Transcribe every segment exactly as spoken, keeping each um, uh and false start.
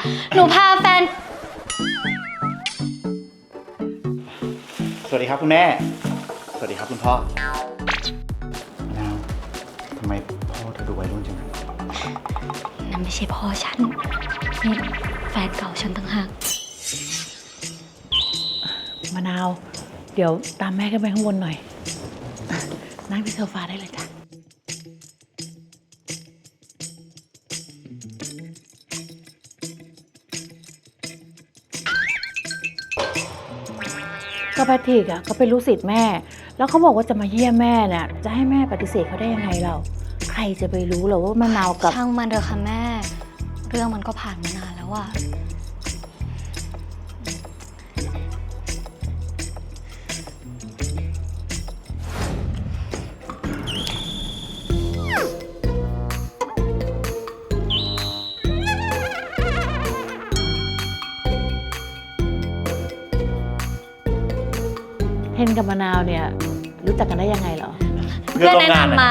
หนูพาแฟนสวัสดีครับคุณแม่ สวัสดีครับคุณพ่อมะนาวทำไมพ่อเธอดูวัยรุ่นจังนะนั่นไม่ใช่พ่อฉันนี่แฟนเก่าฉันต่างหากมะนาวเดี๋ยวตามแม่ขึ้นไปข้างบนหน่อยนั่งที่โซฟาได้เลยจ้ะก็แพทริกอ่ะก็เป็นลูกศิษย์แม่แล้วเขาบอกว่าจะมาเยี่ยมแม่เนี่ยจะให้แม่ปฏิเสธเขาได้ยังไงเราใครจะไปรู้หรอว่ามะนาวกับช่างมันเถอะค่ะแม่เรื่องมันก็ผ่านมานานแล้วอะเทนกับมะนาวเนี่ยรู้จักกันได้ยังไงเหรอเพื่อนแนะนำมา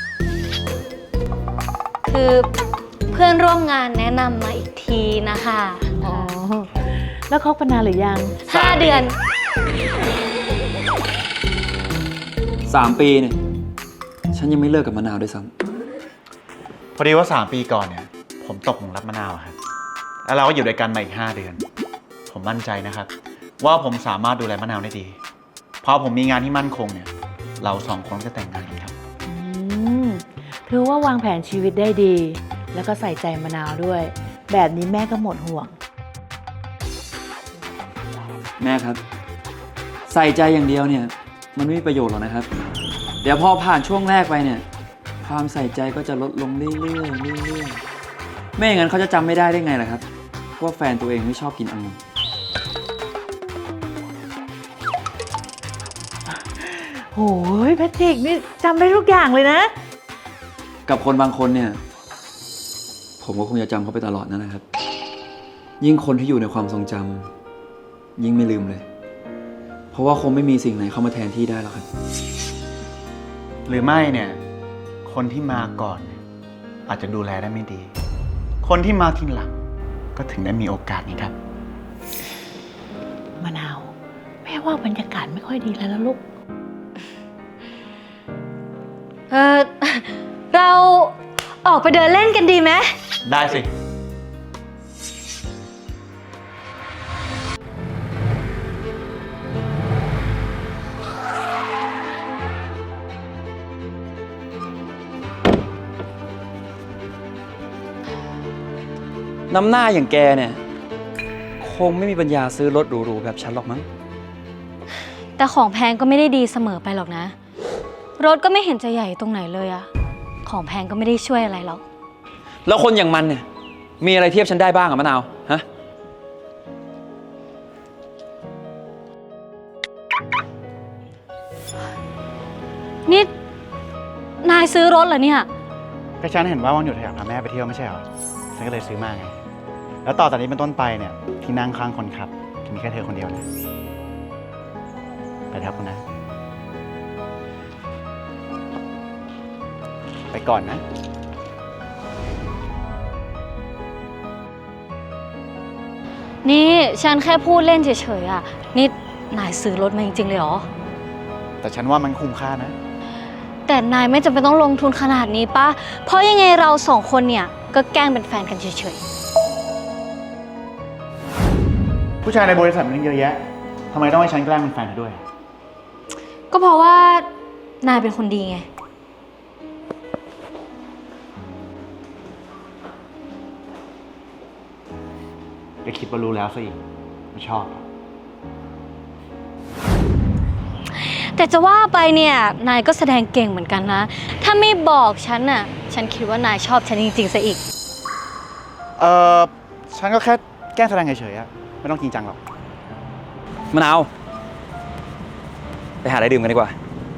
คือเพื่อนร่วมงานแนะนำมาอีกทีนะคะอ๋อแล้วคบกันนานหรือยังห้าเดือนสามปีเนี่ยฉันยังไม่เลิกกับมะนาวด้วยซ้พอดีว่าสามปีก่อนเนี่ยผมตกหลุมรักมะนาวครับแล้วเราก็อยู่ด้วยกันมาอีกห้าเดือนผมมั่นใจนะครับว่าผมสามารถดูแลมะนาวได้ดีพอผมมีงานที่มั่นคงเนี่ยเราสองคนจะแต่งงานกันครับอืมถือว่าวางแผนชีวิตได้ดีแล้วก็ใส่ใจมะนาวด้วยแบบนี้แม่ก็หมดห่วงแม่ครับใส่ใจอย่างเดียวเนี่ยมันไม่มีประโยชน์หรอกนะครับเดี๋ยวพอผ่านช่วงแรกไปเนี่ยความใส่ใจก็จะลดลงเรื่อยๆเรื่อยๆไม่อย่างนั้นเขาจะจำไม่ได้ได้ไงล่ะครับว่าแฟนตัวเองไม่ชอบกินองุ่นโอ้ยแพทริกนี่จำได้ทุกอย่างเลยนะกับคนบางคนเนี่ยผมก็คงจะจำเขาไปตลอดนั่นแหละครับยิ่งคนที่อยู่ในความทรงจำยิ่งไม่ลืมเลยเพราะว่าคงไม่มีสิ่งไหนเข้ามาแทนที่ได้หรอกครับหรือไม่เนี่ยคนที่มาก่อนอาจจะดูแลได้ไม่ดีคนที่มาทีหลังก็ถึงได้มีโอกาสนี้ครับมะนาวแม่ว่าบรรยากาศไม่ค่อยดีแล้วนะลูกเออเราออกไปเดินเล่นกันดีไหมได้สิน้ำหน้าอย่างแกเนี่ยคงไม่มีปัญญาซื้อรถหรูๆแบบฉันหรอกมั้งแต่ของแพงก็ไม่ได้ดีเสมอไปหรอกนะรถก็ไม่เห็นจะใหญ่ตรงไหนเลยอะของแพงก็ไม่ได้ช่วยอะไรหรอกแล้วคนอย่างมันเนี่ยมีอะไรเทียบฉันได้บ้างอะมะนาวฮะนี่นายซื้อรถเหรอเนี่ยก็ฉันเห็นว่าวันหยุดอยากพาแม่ไปเที่ยวไม่ใช่เหรอฉันก็เลยซื้อมาไงแล้วต่อจากนี้เป็นต้นไปเนี่ยที่นั่งข้างคนขับจะมีแค่เธอคนเดียวนะไปครับคุณนะไปก่อนนะนี่ฉันแค่พูดเล่นเฉยๆอ่ะนี่นายซื้อรถมาจริงๆเลยเหรอแต่ฉันว่ามันคุ้มค่านะแต่นายไม่จำเป็นต้องลงทุนขนาดนี้ป่ะเพราะยังไงเราสองคนเนี่ยก็แกล้งเป็นแฟนกันเฉยๆผู้ชายในบริษัทมันเยอะแยะทำไมต้องให้ฉันแกล้งเป็นแฟนเธอด้วยก็เพราะว่านายเป็นคนดีไงก็คิดว่ารู้แล้วสิไม่ชอบแต่จะว่าไปเนี่ยนายก็แสดงเก่งเหมือนกันนะถ้าไม่บอกฉันน่ะฉันคิดว่านายชอบฉันจริงๆซะอีกเออฉันก็แค่แกล้งแสดงเฉยๆอะไม่ต้องจริงจังหรอกมะนาวไปหาอะไรดื่มกันดีกว่า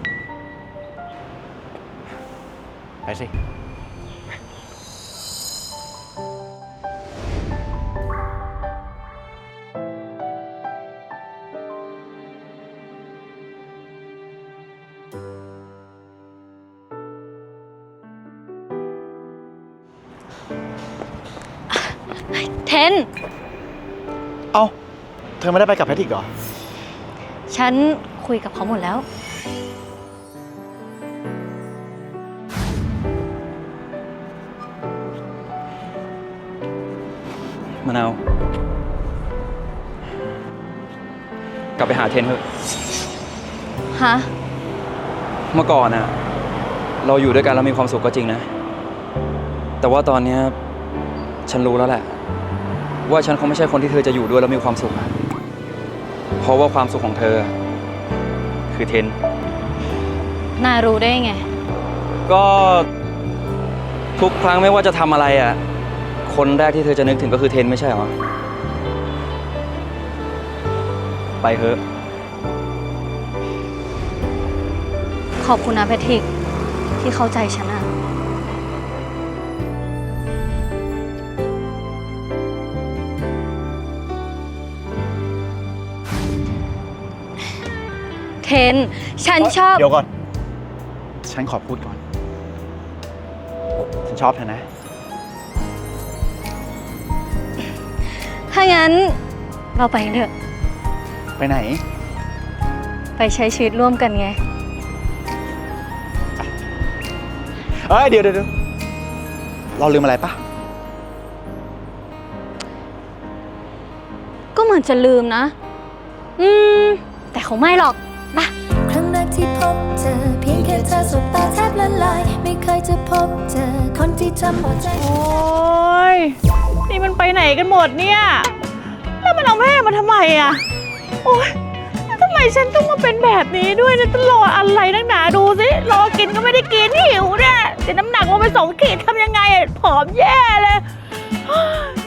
ไปสิเทนเอ้า เธอไม่ได้ไปกับแพทริกเหรอฉันคุยกับเขาหมดแล้วมะนาว กลับไปหาเทนเถอะฮะเมื่อก่อนน่ะ เราอยู่ด้วยกันแล้วมีความสุขก็จริงนะ แต่ว่าตอนเนี้ยฉันรู้แล้วแหละ ว่าฉันคงไม่ใช่คนที่เธอจะอยู่ด้วยแล้วมีความสุขอะเพราะว่าความสุขของเธอ คือเทนนายรู้ได้ไงก็ทุกครั้งไม่ว่าจะทำอะไรอ่ะ คนแรกที่เธอจะนึกถึงก็คือเทนไม่ใช่เหรอ ไปเถอะขอบคุณนะแพทริก ที่เข้าใจฉันอะเทน ฉันชอบเดี๋ยวก่อน ฉันขอพูดก่อน ฉันชอบเธอนะถ้างั้นเราไปกันเถอะไปไหนไปใช้ชีวิตร่วมกันไงเอ้ย เดี๋ยวเดี๋ยวเดี๋ยวเราลืมอะไรปะก็เหมือนจะลืมนะ อืม แต่คงไม่หรอกมาครั้งแรกที่พบเธอเพียงแค่เธอสบตาแทบละลายไม่เคยจะพบเจอคนที่ทำหัวใจโอ้ยนี่มันไปไหนกันหมดเนี่ย แล้วมันเอาแม่มาทำไมอ่ะ โอ้ยแล้วทำไมฉันต้องมาเป็นแบบนี้ด้วยเนี่ยต้องรออะไรนักหนาดูสิรอกินก็ไม่ได้กินหิวเนี่ยแต่น้ำหนักลงไปสองขีดทำยังไงอะผอมแย่เลย